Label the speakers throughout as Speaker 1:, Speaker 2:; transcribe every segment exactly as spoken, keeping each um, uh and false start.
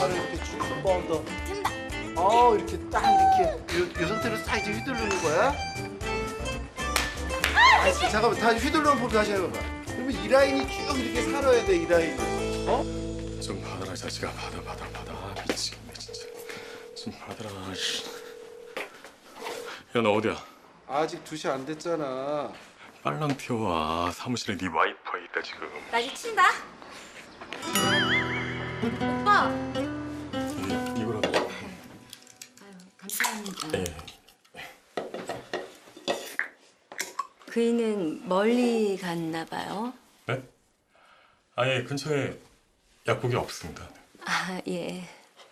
Speaker 1: 발을 이렇게 쭉 뻗어.
Speaker 2: 된다.
Speaker 1: 어, 이렇게 딱 이렇게 요, 요 상태로 싹 이제 휘두르는 거야. 아, 잠깐만, 다시 휘두르는 법 다시 해봐봐. 그러면 이 라인이 쭉 이렇게 살아야 돼, 이 라인이. 어?
Speaker 3: 좀 받아라 자식아. 받아 받아 받아. 아, 미치겠네 진짜. 좀 받아라. 씨. 야, 너 어디야?
Speaker 1: 아직 두 시 안 됐잖아.
Speaker 3: 빨랑 튀어와. 사무실에 네 와이프가 있다 지금.
Speaker 2: 나 이제 친다. 오빠.
Speaker 3: 이, 이거라도.
Speaker 2: 아유, 감사합니다.
Speaker 3: 예.
Speaker 2: 그이는 멀리 갔나 봐요.
Speaker 3: 네? 아예 근처에 약국이 없습니다.
Speaker 2: 아, 예.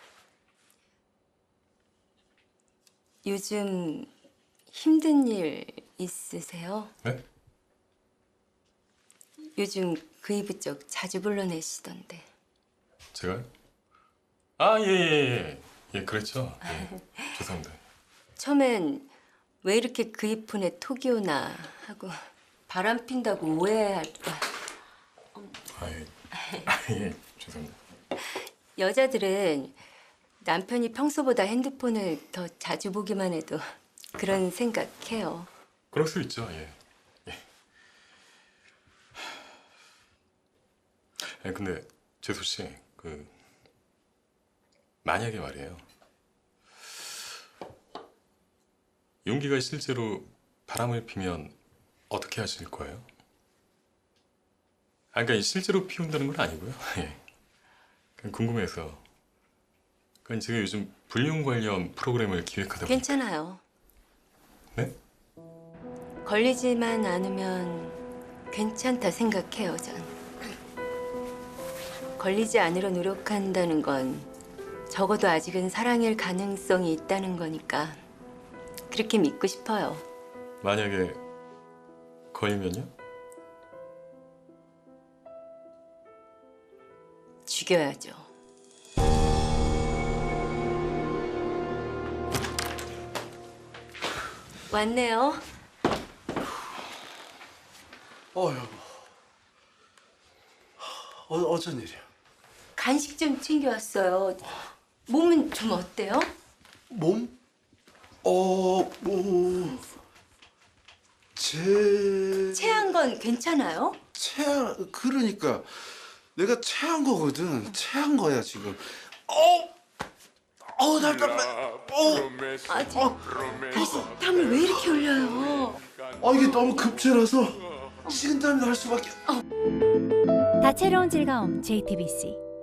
Speaker 2: 요즘 힘든 일 있으세요?
Speaker 3: 네?
Speaker 2: 요즘 그이 부쩍 자주 불러내시던데.
Speaker 3: 제가요? 아, 예, 예, 예. 예, 그랬죠. 예. 죄송합니다.
Speaker 2: 처음엔 왜 이렇게 그이 폰에 톡이 오나 하고 바람 핀다고 오해할까.
Speaker 3: 아, 예. 아, 예. 죄송합니다.
Speaker 2: 여자들은 남편이 평소보다 핸드폰을 더 자주 보기만 해도 그런 생각해요.
Speaker 3: 그럴 수 있죠. 예. 예. 예, 근데 재수 씨, 그 만약에 말이에요. 용기가 실제로 바람을 피면 어떻게 하실 거예요? 아, 그러니까 실제로 피운다는 건 아니고요. 예. 그냥 궁금해서. 그러니까 제가 요즘 불륜 관련 프로그램을 기획하다 보니까.
Speaker 2: 괜찮아요.
Speaker 3: 네?
Speaker 2: 걸리지만 않으면 괜찮다 생각해요, 전. 걸리지 않으려 노력한다는 건 적어도 아직은 사랑일 가능성이 있다는 거니까 그렇게 믿고 싶어요.
Speaker 3: 만약에 걸리면요?
Speaker 2: 죽여야죠. 왔네요.
Speaker 1: 어, 여보. 어, 어쩐 일이야?
Speaker 2: 간식 좀 챙겨왔어요. 몸은 좀 어때요?
Speaker 1: 몸? 어, 뭐... 제...
Speaker 2: 체한 건 괜찮아요?
Speaker 1: 체한... 그러니까 내가 체한 거거든. 체한 거야, 지금. 어! 어, 답답해. 어!
Speaker 2: 아, 저, 그래서 땀을 왜 이렇게 흘려요?
Speaker 1: 아, 이게 너무 급체라서 식은땀이 날 수밖에...
Speaker 4: 다채로운 즐거움 제이티비씨